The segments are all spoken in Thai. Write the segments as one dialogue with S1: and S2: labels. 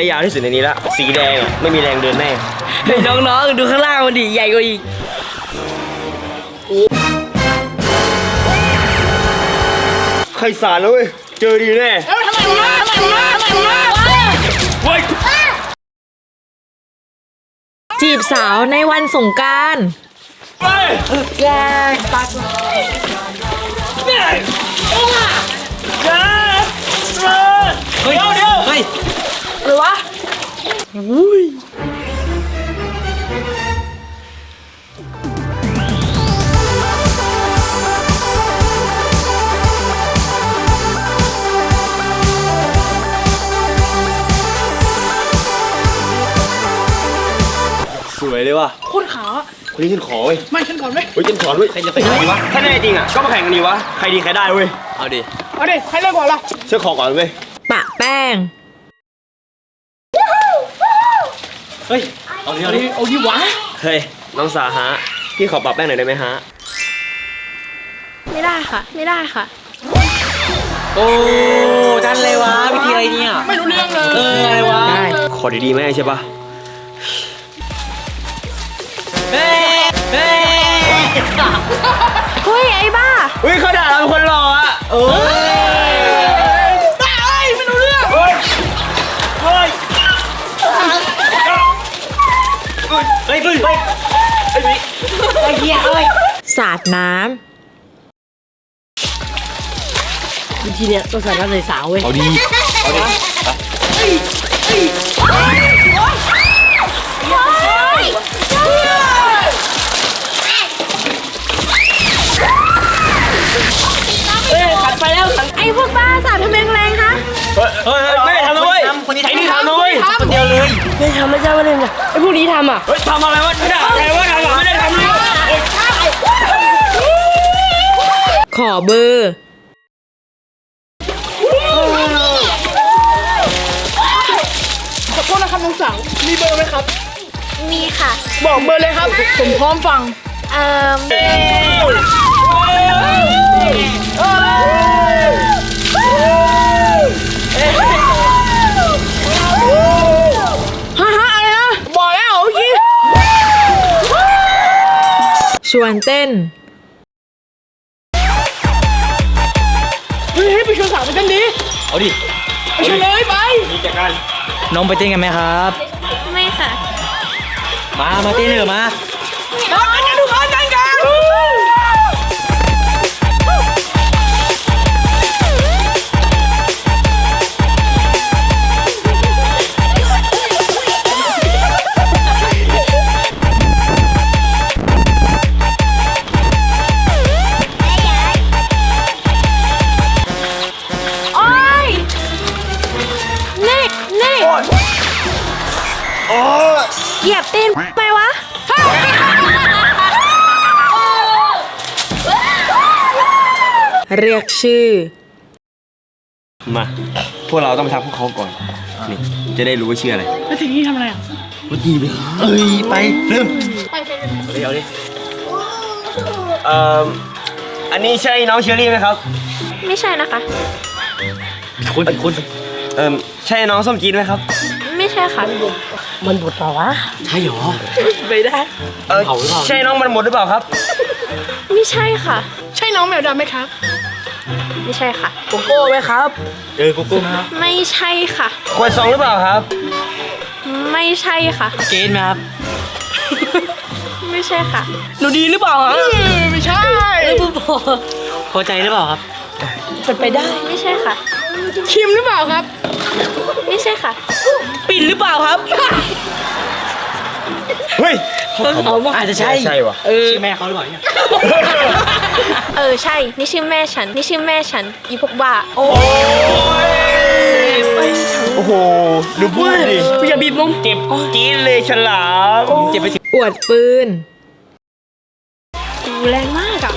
S1: ยาวที่สุดในนี้ละสีแดงไม่มีแรงเดินแน่
S2: เฮ้ยน้องๆดูข้างล่างมันดิใหญ่กว่าอีก
S1: ใครสารแล้วเว้ยเจอดีแน่
S2: ทำไมวะเฮ้ยจีบสาวในวันสงกรานต์แกปักเนี่ยเฮ้ยเฮ้ยหรือวะอุ้ย
S1: สวยเลยว่ะ
S2: โคตรขาว
S1: คนนี้ฉันขอเว้ย
S2: ไม่ฉันก่อนไหม
S1: เฮ้ยฉันขอด้วยใครจะไปไหนวะถ้าแน่จริงอ่ะก็มาแข่งกันดีวะใครดีใครได้เว้ยเอาดิ
S2: ใครเริ่มก่อนล่ะ
S1: ฉันขอก่อนเว้ย
S2: ปะแป้ง
S1: เฮ้ยเอาดิวะเฮ้ยน้องสาฮะพี่ขอปรับแป้งหน่อยได้ไหมฮะ
S3: ไม่ได้ค่ะไม่ได้ค่ะ
S4: โอ้จันเลยวะวิธีอะไรเนี่ย
S2: ไม่รู้เรื่องเลย
S4: อะไรวะ
S1: ขอดีๆไหมใช่ปะ
S4: เ
S3: เฮ้ยไอ้บ้า
S1: เฮ้ยเขาด่าเราเป็นคนหล่ออ่ะ
S2: บ้าไม่รู้เรื่อง
S1: เฮ้ย
S2: สาดน้ำวิธีเนี้ยต้องสาดน้ำใส่สาวเว้ย
S4: เอาดิ
S2: ขัดไปแล้ว
S3: ไอ้พวกบ้าสาดทำไมแรงคะ
S1: ไม่ได้ทำนะเว้ย
S4: คนนี้ทำ
S1: นะเว้ย
S4: คนเดียวเลย
S2: ไม่ทำไม่ใช่ว่าเล่นนะไอ้พวกนี้ทำอ่ะ
S1: เฮ้ยทำอะไรวะไม่ได้อะไรวะไม่ได้ทำเลย
S2: ขอเบอร์ขอโทษนะครับน้องสาวมีเบอร์ไหมครับ
S3: มีค่ะ
S2: บอกเบอร์เลยครับผมพร้อมฟังอะไรนะบอกแล้วเมื่อกี้ชวนเต้นเฮ้ยไปชวนสาวไปเต้นดิ
S4: เอาดิ
S2: ไปชวนเลยไป
S1: มีจากการ
S4: น้องไปเต้นกันไหมครับ
S3: ไม่ค่ะ
S4: มาเต้นเลยมา
S2: ทุกคนกัน
S3: เหยียบตีนไปวะ
S2: เรียกชื่อ
S1: มาพวกเราต้องไปทักพวกเขาก่อนนี่จะได้รู้ว่าชื่ออะไร
S2: แล้วทีนี้ทำอะไรอ่ะ
S1: วันดีเลยไปเริ่มเอาดิอันนี้ใช่น้องเชอรี่ไหมครับ
S3: ไม่ใช่นะคะ
S4: คุณ
S1: ใช่น้องส้มจีนไหมครับ
S3: ไม่ใช่ค่ะ
S2: มันบดเปล่าวะ
S4: ใช่หรอ
S2: ไม่ได้
S1: ใช่น้องมันหมดหรือเปล่าครับ
S3: ไม่ใช่ค่ะ
S2: ใช่น้องแมวดำไหมครับ
S3: ไม่ใช่ค่ะ
S2: โกโก้ไหมครับ
S4: โกโก้ครับ
S3: ไม่ใช่ค่ะ
S1: ขวดซองหรือเปล่าครับ
S3: ไม่ใช่ค่ะ
S4: เกณฑ์ไหมครับ
S3: ไม่ใช่ค่ะ
S2: หนูดีหรือเปล่าฮะไม่ใช่
S4: พอใจหรือเปล่าครับ
S2: เป็นไปได้
S3: ไม่ใช่ค่ะ
S2: คิมหรือเปล่าครับ
S3: ไม่ใช่ค่ะ
S2: ปิ่นหรือเปล่าครับ
S1: เฮ้ย
S4: อาจจะใช่
S1: ว่ะ
S4: ชื่อแม่เขาหรือเปล่าเนี่ย
S3: ใช่นี่ชื่อแม่ฉันอีพวกบ้า
S1: โอ้โหดูพูดดิ
S2: อย่าบีบนม
S1: เจ็บจี๊ดเลยฉลาม
S4: เจ็บไปสิ
S2: อวดปืน
S3: แรงมากอ่ะ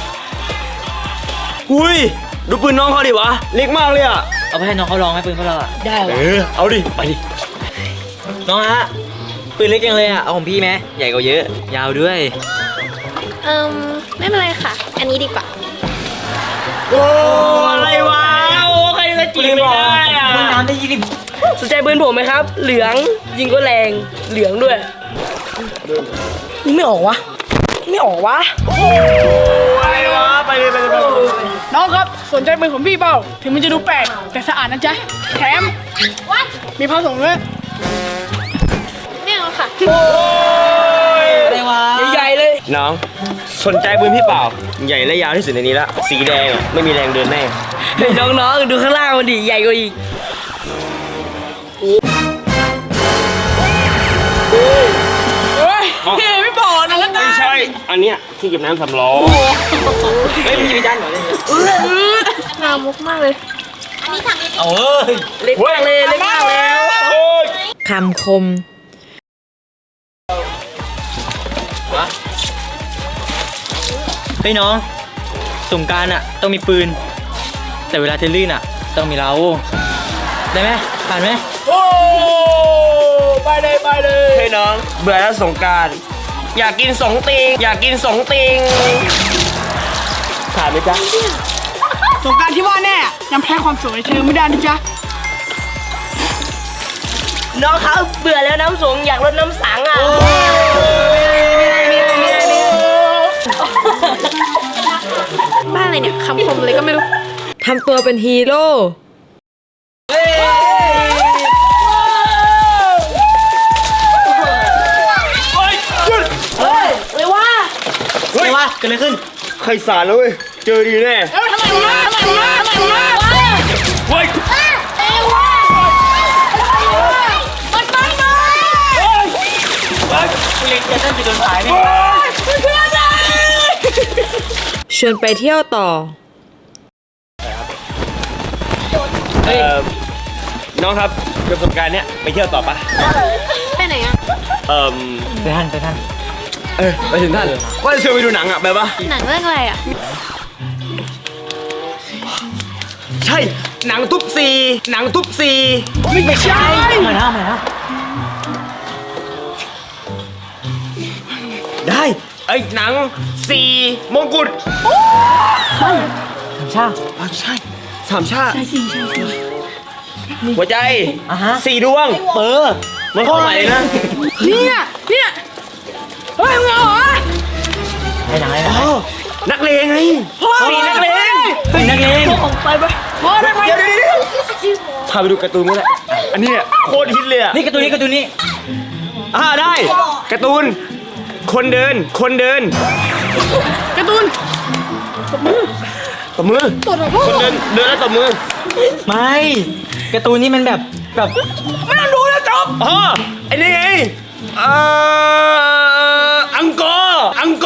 S1: อุ้ยดูปืนน้องเขาดิวะเล็กมากเลยอ่ะ
S4: เอาไปให้น้องเขาลองให้ปืนเขาเราอ่ะ
S2: ได้เหรอ
S1: เอาดิไปดิ
S4: น้องฮะปืนเล็กจังเลยอ่ะเอาของพี่ไหมใหญ่กว่าเยอะยาวด้วย
S3: ไม่เป็นไรค่ะอันนี้ดีกว่า
S1: โอ้อะไรวะโอ้ใครจะจีบไม่ได้อ่ะ
S4: น้ำได้ยิน
S5: สนใจปืนผมไหมครับ เหลืองยิงก็แรงเหลืองด้วยยิงไม่ออกวะไม่ออกวะ
S1: อะไรวะไปเลย
S6: น้องครับสนใจปืนของพี่เปล่าถึงมันจะดูแปลกแต่สะอาดนะจ๊ะแถมมีผ้าส่งด้วย
S3: ไม่เอาค่ะ
S4: อะไรวะ
S5: ใหญ่ๆเลย
S1: น้องสนใจปืนพี่เปล่าใหญ่และยาวที่สุดในนี้ละสีแดงอะไม่มีแรงเดินแน่
S5: เฮ้ยน้องๆดูข้างล่างมันดิใหญ่กว่าอีก
S6: เฮ้ยไม่บอกนะแล้ว
S1: ไม่ใช่อันเนี้ยที่เก็บน้ำสำรองเฮ้ยมันมีจานเหรอเนี่ย
S3: นามุกมากเลย
S4: เอาเอ้ย
S5: เล็กมากเลยเล็กมากแล้ว
S2: คำคม
S4: เฮ้ยน้องสงกรานต์อ่ะต้องมีปืน แต่เวลาเทลื่นอ่ะต้องมีเราได้ไหมผ่านไหม
S6: โอ้ไปเลย
S1: เฮ้ยน้องเบื่อแล้วสงกรารอยากกินสองติงอยากกินสองติงขาดไหมจ๊ะ
S6: สงกรารที่ว่าแน่ยังแพ้ความสวยเธอไม่ได้นะจ๊ะ
S5: น้องเขาเบื่อแล้วน้ำสงอยากลดน้ำสังอ่ะ
S3: บ้านอะไรเนี่ยคำคมเลยก็ไม่รู้
S2: ทำตัวเป็นฮีโร่
S5: เลยว่า
S4: ไม่ว่าเกิดอะไรขึ้น
S1: ใครสารแล้วเว้ยเจอดีแน่
S6: ทำไมวะ
S1: เฮ้ย
S4: เล็กจะเต้นไปโดนสายไหม
S2: ชวนไปเที่ยวต่อ
S1: น้องครับประสบการณ์เนี้ยไปเที่ยวต่อปะ
S3: ไปไหนอ่ะ
S4: ไปท่าน
S1: ไปถึงท่านว่าจะชวนไปดูหนังอะไปปะ
S3: หนังเรื่องอะไรอ่ะ
S1: ใช่หนังทุบซีหนังทุบซี
S6: ไม่ใช่
S4: มาแล้ว
S1: ได้ไอ้ยหนังสีมงกุฎ
S4: ชา
S1: ใช่สามชาติหัวใจ
S4: อ่ะฮะ
S1: สี่ดวงมันเข้าไหนนะ
S6: เนี่ยเฮ้ยมึงเอาเหรอ
S4: ไปไหน
S1: อ๋อนักเลงไงสีนักเลง
S4: นักเลง
S6: พอได้ไหม
S1: เดี๋ยวพาไปดูการ์ตูนนี่แหละอันนี้เนี่ยโคตรฮิตเลยอะ
S4: นี่การ์ตูนนี้
S1: ได้การ์ตูนคนเดิน
S6: การ์ตูน
S1: ตบมือ
S6: ตรวจหรอพ่อ
S1: คนเดินแล้วตบมือ
S4: ไม่การ์ตูนนี้มันแบบ
S6: ไม่ต้องดูแล้วจบ
S1: อ๋อไอ้นี่ไงอังกอร์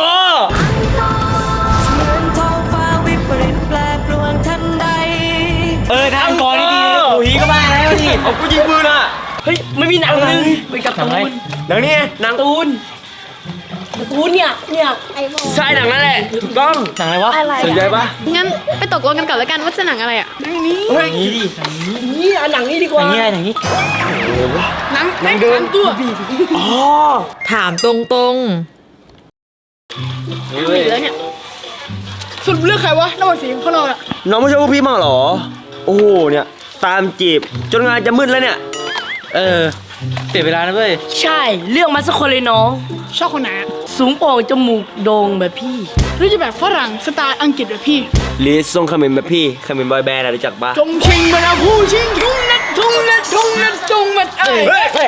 S4: ทางก่อนนี่ดีโอ้ยก็มาแล้วดิ
S1: เอากูยิงปืนอ่ะ
S5: เฮ้ยไม่มีหนังนึงไปกับตูน
S1: หนังนี่ไงหนัง
S5: ตูนเนี่ย
S1: ใช่หนังนั่นแหละถูกต้อง
S4: หนังอะไรวะ
S3: อะไร
S1: สนใจ
S3: อ่ะ
S1: ปะ
S3: งั้นไปตกลงกันก่อนแล้วกันว่าจะหนังอะไรอ่ะ
S1: เฮ้ย
S4: นี่ดิ
S5: นี่เอาหนังนี้ดีกว่า
S4: หนังนี้
S6: หนังเดินตัว
S1: อ๋อ
S2: ถามตรง
S3: หนีแล้วเนี่ย
S6: สรุปเลือกใครวะระหว่างสีของเขาเราอะ
S1: น้องไม่ชอบพวกพี่มากเหรอโอ้โหเนี่ยตามจีบจนงานจะมืดแล้วเนี่ย
S4: เปลี่ยนเวลานะเว้ย
S5: ใช่เลือกมาสักคนเลยน้อง
S6: ชอบคนไหนอะ
S5: สูงโปร่งจมูกโด่งแบบพี่
S6: หรือจะแบบฝรั่งสไตล์อังกฤษแบบพี่
S1: ลิสทรงคาเมนแบบพี่คาเมนบอยแบนด์อะรู้จักปะ
S6: จงชิงมาแล้วผู้ชิงทุ่งนัดจงมัดเอ้ย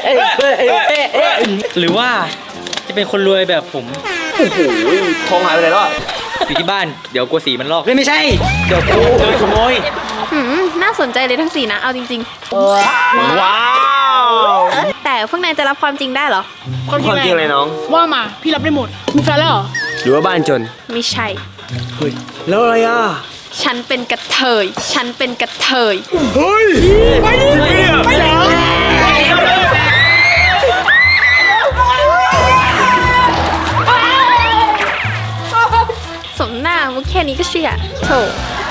S4: หรือว่าจะเป็นคนรวยแบบผม
S1: โอ้โหทองหายไปไหนแล้วอะ
S4: อยู่ที่บ้านเดี๋ยวกลัวสีมันลอกไม่ใช่เดี๋ยวกูโดนขโมย
S3: น่าสนใจเลยทั้งสี่นะ เอาจริง
S1: ว้าว
S3: ๆ แต่พวกนายจะรับความจริงได้เหรอ
S6: ความ
S1: ความจริงอะไรน้อง
S6: ว่ามาพี่รับได้หมดมีแฟนแล้วเหรอ
S1: หรือว่าบ้านจน
S3: ไม่ใช่
S1: เฮ้ยแล้วอะไรอ่ะ
S3: ฉันเป็นกระเทย ฉันเป็นกระเทย
S1: เฮ้ยไปดิไปเหรอ
S3: สมหน้ามุกแค่นี้ก็เชื่อโถ